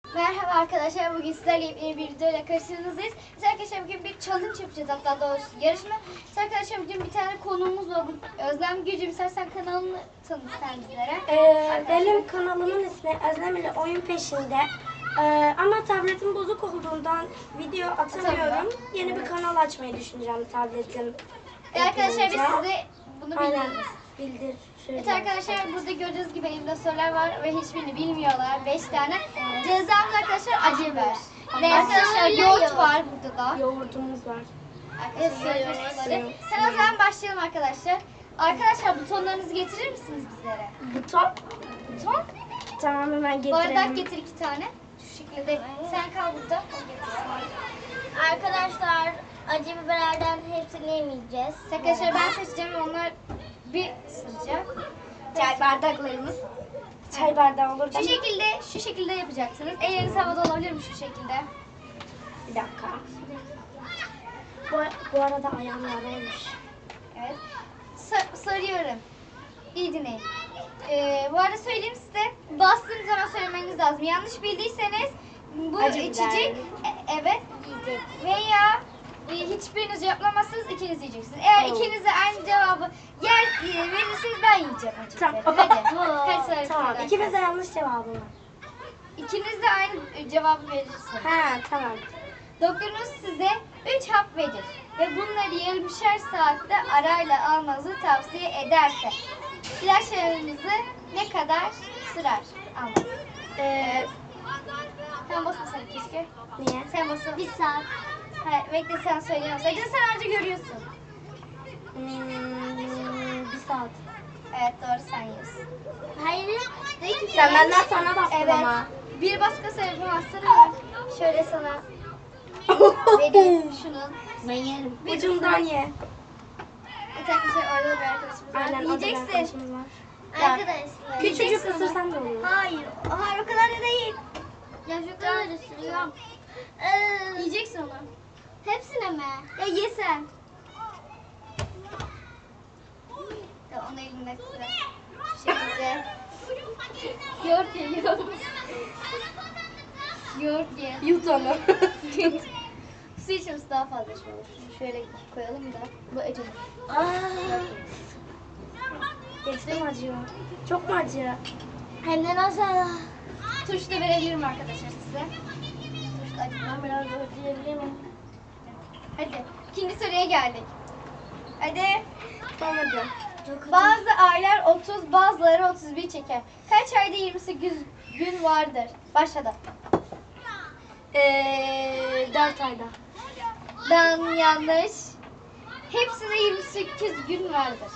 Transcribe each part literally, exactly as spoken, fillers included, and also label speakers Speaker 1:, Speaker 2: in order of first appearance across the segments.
Speaker 1: Merhaba arkadaşlar, bugün sizlerle yeni bir videoyla karşınızdayız. Biz arkadaşlar bugün bir challenge yapacağız, hatta doğrusu yarışma. Biz arkadaşlar bugün bir tane konuğumuz var. Özlem Gülcüm, istersen kanalını tanıt sen bizlere.
Speaker 2: Ee, benim kanalımın ismi Özlem ile Oyun Peşinde. Ee, ama tabletim bozuk olduğundan video atamıyorum. Yeni bir kanal açmayı düşüneceğim tabletim.
Speaker 1: E arkadaşlar biz
Speaker 2: yapılınca.
Speaker 1: size bunu
Speaker 2: Aynen
Speaker 1: bildiririz.
Speaker 2: bildir.
Speaker 1: Evet arkadaşlar, burada gördüğünüz gibi elimde sorular var ve hiçbirini bilmiyorlar. beş tane. Cezamız arkadaşlar acı biber. Ve arkadaşlar yoğurt var burada da.
Speaker 2: Yoğurtumuz var.
Speaker 1: Arkadaşlar yoğurtları. Sen o zaman başlayalım arkadaşlar. Arkadaşlar butonlarınızı getirir misiniz bizlere?
Speaker 2: Buton.
Speaker 1: Buton.
Speaker 2: Tamam, hemen
Speaker 1: Bardak
Speaker 2: getirelim.
Speaker 1: getir iki tane. Şu şekilde. Sen kal burada. O getirsin.
Speaker 3: Arkadaşlar acı biberlerden hepsini yemeyeceğiz.
Speaker 1: Arkadaşlar ben seçeceğim, onlar bir ısıracak. Çay bardaklarımız.
Speaker 2: Çay bardağı olur.
Speaker 1: Şu şekilde, şu şekilde yapacaksınız. Elleriniz havada olabilir mi şu şekilde?
Speaker 2: Bir dakika. Bu, bu arada ayağım yaraymış.
Speaker 1: Evet. Sa- sarıyorum. İyi dinleyin. Ee, bu arada söyleyeyim size. Bastığınız zaman söylemeniz lazım. Yanlış bildiyseniz bu
Speaker 2: Acı
Speaker 1: içecek
Speaker 2: biber.
Speaker 1: e- evet yiyecek. Veya e, hiçbiriniz yapamazsınız, ikiniz yiyeceksiniz. Eğer
Speaker 2: Oh.
Speaker 1: ikiniz de aynı cevabı yer e, verirseniz ben yiyeceğim acı
Speaker 2: Tamam.
Speaker 1: biberi. Hadi. Hadi söyle.
Speaker 2: Tamam.
Speaker 1: arkadaşlar.
Speaker 2: İkimiz de yanlış cevabı var.
Speaker 1: İkiniz de aynı e, cevabı verirsiniz.
Speaker 2: Ha, tamam.
Speaker 1: Doktorunuz size üç hap verir ve bunları yarımşar saatte arayla almanızı tavsiye ederse ilaçlarınızı ne kadar sürer? Almanız.
Speaker 2: Ee,
Speaker 1: Sen basmasan keşke.
Speaker 2: niye?
Speaker 1: Sen basın.
Speaker 3: Bir saat.
Speaker 1: Hayır, bekle sen söyleyemezsin. Sen önce görüyorsun.
Speaker 2: Hmm, bir saat.
Speaker 1: Evet, doğru, sen yiyorsun.
Speaker 3: Hayır. Değil ki.
Speaker 2: Sen benden sonra bastın
Speaker 1: Evet.
Speaker 2: ama.
Speaker 1: Bir baskısı yapamazsın ama şöyle sana vereyim şunu.
Speaker 3: Ben yerim.
Speaker 2: Ucundan ye.
Speaker 1: Bir arkadaşlar orada bir arkadaşımız var.
Speaker 2: Aynen, o da bir
Speaker 1: Yiyeceksin.
Speaker 2: arkadaşımız var.
Speaker 3: Arkadaşlar.
Speaker 2: Küçücük
Speaker 1: Yiyeceksin
Speaker 2: ısırsan da olur.
Speaker 1: Hayır, hayır o kadar da değil.
Speaker 3: Ya şu kadar ısırıyorum. Ee,
Speaker 1: Yiyeceksin onu.
Speaker 3: hepsine mi?
Speaker 1: Ya ye sen. Ya onu elimle sıra. Şu şekilde. Yoğurt ye, yoğurt. Yoğurt ye.
Speaker 2: Yut onu.
Speaker 1: Su içmesi daha fazla şey olur. Şunu şöyle koyalım da. Bu acı.
Speaker 2: Aa. Geçtim acıyor. Çok mu acıyor?
Speaker 3: Hem de nasıl?
Speaker 1: Turşu da verebilirim arkadaşlar size. Turşu da acı.
Speaker 3: Ben biraz ötüyebilir miyim?
Speaker 1: Hadi. İkinci soruya geldik. Hadi.
Speaker 2: Tamam hadi.
Speaker 1: Bazı aylar otuz, bazıları otuz bir çeker. Kaç ayda yirmi sekiz gün vardır? Başladı.
Speaker 2: Ee, dört ayda.
Speaker 1: Dan yanlış. Hepsinde yirmi sekiz gün vardır.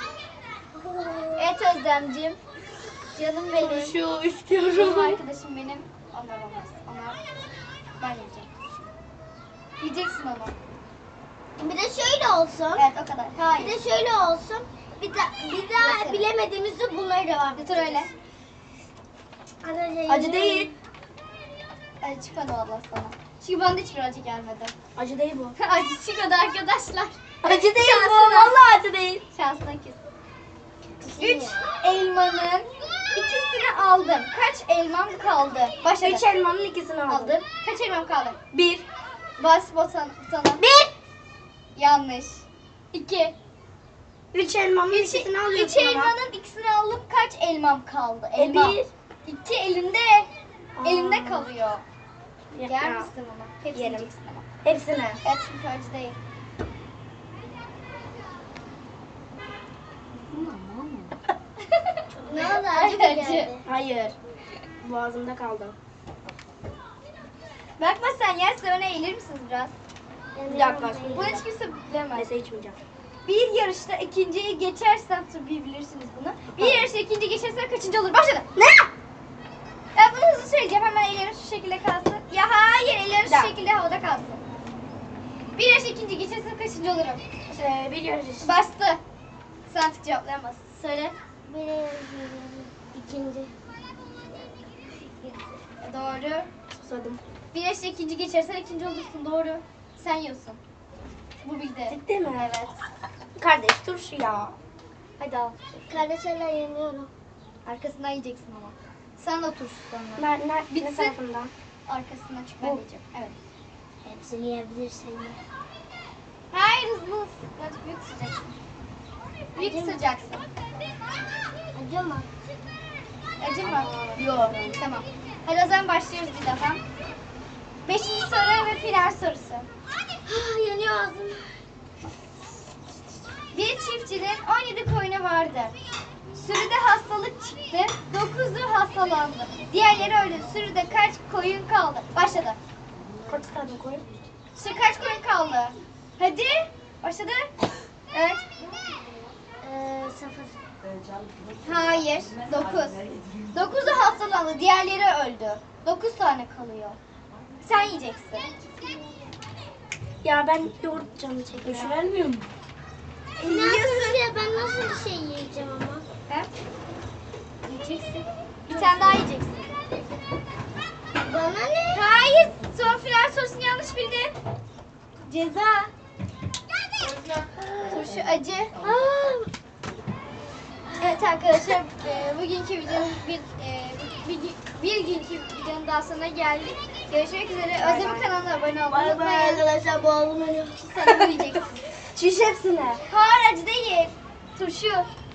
Speaker 1: Evet Özlemciğim. Canım benim.
Speaker 2: Turşu
Speaker 1: Canım
Speaker 2: istiyorum.
Speaker 1: arkadaşım benim. Onlar olmaz. Onlar ben yiyeceğim. Yiyeceksin onu.
Speaker 3: Bir de şöyle olsun.
Speaker 1: Evet o kadar.
Speaker 3: Bir
Speaker 1: Hayır.
Speaker 3: de şöyle olsun. Bir, da, bir daha
Speaker 1: Mesela.
Speaker 3: bilemediğimizde bunları devam
Speaker 1: Götür öyle.
Speaker 3: edeceğiz.
Speaker 2: Acı değil.
Speaker 1: Acı çıkmadı valla sana. Çünkü bana da hiçbir acı gelmedi.
Speaker 2: Acı değil bu.
Speaker 1: Acı çıkmadı arkadaşlar.
Speaker 2: Acı değil bu.
Speaker 1: Şansına.
Speaker 2: Vallahi acı değil.
Speaker 1: Şansına kes. Üç elmanın ikisini aldım. Kaç elmam kaldı? Başladı.
Speaker 2: Üç elmanın ikisini aldım.
Speaker 1: aldım. Kaç elmam kaldı?
Speaker 2: Bir.
Speaker 1: Bas butona. butona.
Speaker 2: Bir.
Speaker 1: Yanlış. İki.
Speaker 2: Üç elmanın
Speaker 1: Üç,
Speaker 2: ikisini
Speaker 1: üç
Speaker 2: alıyorsun ama.
Speaker 1: elmanın ikisini aldım. Kaç elmam kaldı? Elma.
Speaker 2: Bir.
Speaker 1: İki elimde.
Speaker 2: Aa.
Speaker 1: Elimde kalıyor.
Speaker 2: Ya-
Speaker 1: Yer
Speaker 2: ya.
Speaker 1: misin ama? Hepsini
Speaker 2: Yerim.
Speaker 1: yiyeceksin ama.
Speaker 2: Hepsini.
Speaker 1: Evet çünkü acı değil.
Speaker 3: Ne oldu? Acı mı
Speaker 1: Acı.
Speaker 3: geldi?
Speaker 2: Hayır. Boğazımda kaldı.
Speaker 1: Bakma sen yerse öne eğilir misiniz biraz?
Speaker 2: Bir dakika.
Speaker 1: Bunu hiç kimse bilemez.
Speaker 2: Neyse içmeyeceğim.
Speaker 1: Bir yarışta ikinciyi geçersen tabii bilirsiniz bunu. Bir yarışta ikinci geçersen kaçıncı olur? Başladı.
Speaker 2: Ne?
Speaker 1: Ben bunu hızlı söyleyeceğim. Hemen ellerim şu şekilde kalsın. Ya hayır, ellerim şu
Speaker 2: Ya.
Speaker 1: şekilde havada kalsın. Bir yarışta ikinci geçersen kaçıncı olurum?
Speaker 2: Ee, bir yarış.
Speaker 1: Bastı. Sen artık cevaplayamazsın. Söyle.
Speaker 3: Bir, ikinci.
Speaker 1: Doğru.
Speaker 2: Susadım.
Speaker 1: Bir yarışta ikinci geçersen ikinci olursun. Doğru. Sen yiyorsun. Bu bildi.
Speaker 2: Ciddi mi?
Speaker 1: Evet.
Speaker 2: Kardeş turşu ya.
Speaker 1: Hadi al.
Speaker 3: Kardeşlerle yeniyorum.
Speaker 1: Arkasından yiyeceksin ama. Sen de turşu sonra.
Speaker 2: Ne, ne, ne
Speaker 1: Bitsin.
Speaker 2: tarafından?
Speaker 1: Arkasından çık ben diyeceğim. Evet.
Speaker 3: Hepsini yiyebilirsin.
Speaker 1: Hayır hızlı hızlı. Biraz büyük sıcaksın. Büyük sıcaksın.
Speaker 3: Acı mı?
Speaker 1: Acı mı? Yok. Tamam. Hadi o zaman başlıyoruz bir daha. Beşinci soru ve final sorusu.
Speaker 3: Ah, yanıyor ağzım.
Speaker 1: Bir çiftçinin on yedi koyunu vardı. Sürüde hastalık çıktı. dokuzu hastalandı. Diğerleri öldü. Sürüde kaç koyun kaldı? Başladı.
Speaker 2: Kaç tane koyun?
Speaker 1: Sürü kaç koyun kaldı? Hadi. Başladı. Evet.
Speaker 3: Ee, sıfır.
Speaker 1: Hayır. Dokuz. Dokuzu hastalandı. Diğerleri öldü. Dokuz tane kalıyor. Sen yiyeceksin.
Speaker 2: Ya ben yoğurt canım çekiyor.
Speaker 4: Düşünemiyor mu?
Speaker 3: Nasıl ya? Ben nasıl bir şey yiyeceğim ama?
Speaker 1: He? Yiyeceksin. Bir tane daha yiyeceksin.
Speaker 3: Bana ne?
Speaker 1: Hayır. Son final sorusunu yanlış bildin. Ceza. Turşu acı.
Speaker 3: Aa,
Speaker 1: Evet arkadaşlar e, bugünkü videonun bir, e, bir, bir günkü videonun daha sonuna geldik. Görüşmek üzere. Özlem kanalına abone olmayı unutmayın.
Speaker 3: arkadaşlar boğazım yanıyor.
Speaker 1: Sen de yiyeceksin.
Speaker 2: Şiş hepsine.
Speaker 1: Hayır acı değil. Turşu.